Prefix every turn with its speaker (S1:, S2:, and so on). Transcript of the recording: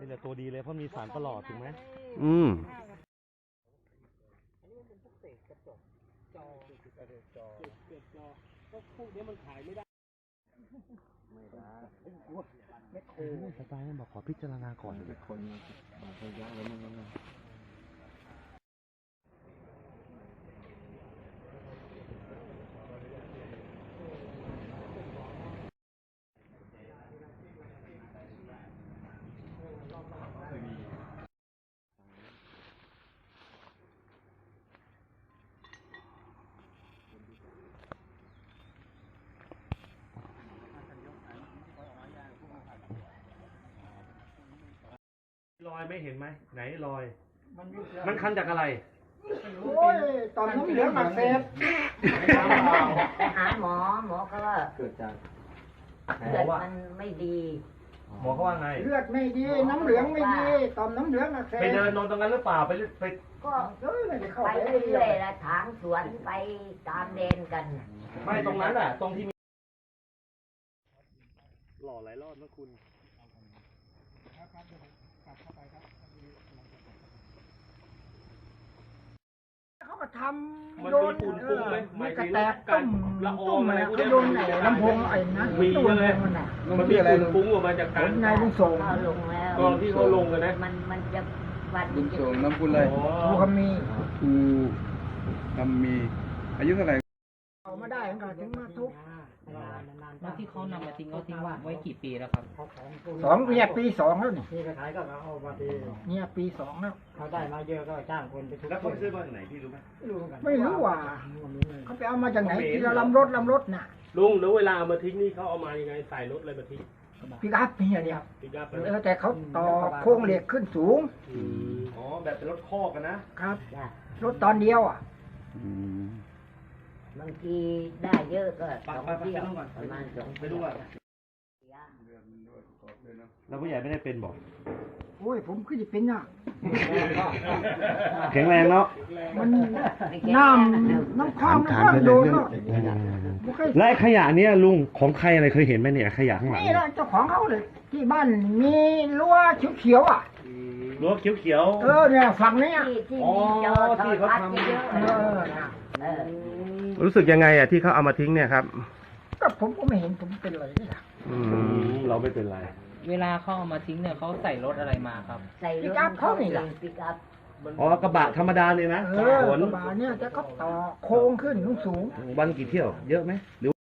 S1: นี่แหละตัวดีเลยเพราะมีสารประหลอดถูกไหมก็พวกนี้มันขายไม่ได้สไตล์นั้นบอกขอพิจารณาก่อนเป็นคนระยะแล้วมันรอยไม่เห็นไหมไหนรอยมันคันจากอะไร
S2: โอ้ยตอนน้ำเหลืองอักเสบ
S3: ไปหาหมอเขาว่า
S1: เกิดจาก
S3: เลือดมันไม่ดี
S1: หมอเขาว่าไง
S2: เลือดไม่ดีน้ำเหลืองไม่ดีตอนน้ำเหลืองอักเสบ
S1: ไปเดินนอนตรงนั้นหรือเปล่าไป
S3: ก็ไปเรื่อยๆละถางสวนไปตามเลนกัน
S1: ไม่ตรงนั้นอ่ะตรงที่มีหล่อหลายรอบนะคุณ
S2: เขาก็ทำ
S1: โดนฝุ่นฟุ้งไหม
S2: ไม่กระแตกตุ้มอะไรเขาโดนไอ้ลำโพงไอ้นะ
S1: มีเยอะเลยมันมีฝุ่นฟุ้งออกมาจากการ
S2: นายลุงส่ง
S3: ลงแล้ว
S1: ตอนที่เขาลงกันนะ
S3: มันจะวัน
S4: ลุงส่งน้ำพุอะไร
S2: ภูคำมี
S4: อายุเท่าไหร่
S2: เอามาได้ก็ถึงมาทุก
S5: แล้วที่เขานำมาทิ้งเขาทิ้งไว้กี่ปีแล้วครับ
S2: เนี่ยปี 2แล้วนี่
S6: ขายก็เอามาที
S2: เนี่ยปี 2แล้ว
S6: เขาได้มาเยอะก็จ้างคนไปทุก
S1: แล้วเขาซื้อมาจากไหนพี่รู้ไหม
S2: ไม่รู้ว่าเขาไปเอามาจากไหนที่ลำรถน่ะ
S1: ลุงแล้วเวลาเอามาทิ้งนี่เขาเอามายังไงใส่รถอะไรมาทิ้ง
S2: ปิกอัพเนี่ย
S1: ปิกอัพ
S2: แต่เขาต่อโครงเหล็กขึ้นสูง
S1: อ๋อแบบเป็นรถคอกกันนะครับ
S2: รถตอนเดียว
S3: บางทีได้เยอะก็2 เที่ยวประมาณ2
S1: ไปดูอ่ะแล้วผู้ใหญ่ไม่ได้เป็นบอก
S2: โอ้ยผมก็จะเป็นน่ะ
S1: แข็งแรงเนาะ
S2: มันน้ำคลองมันก็โดนเนาะ
S1: และขยะเนี้ยลุงของใครอะไรเคยเห็นไหมเนี่ยขยะข้างหลัง
S2: นี่แหละเจ้าของเขาเลยที่บ้านมีรั้วเขียว
S1: รั้วเขียว
S2: เนี่ยฝั่งนี้
S3: ที่เขาทำเยอะ
S1: รู้สึกยังไงอ่ะที่เขาเอามาทิ้งเนี่ยครับ
S2: ก็ผมก็ไม่เห็นผมเป็นอะไรนี่
S1: เราไม่เป็นไร
S5: เวลาเขาเอามาทิ้งเนี่ยเขาใส่รถอะไรมาครับ
S3: ใส่รถเขานี่แหละปิกอัพ
S1: กระบะธรรมดาเลยนะ
S2: กระบะเนี่ยจะก็ต่อโค้งขึ้นสูง
S1: วันกี่เที่ยวเยอะไหมหรือ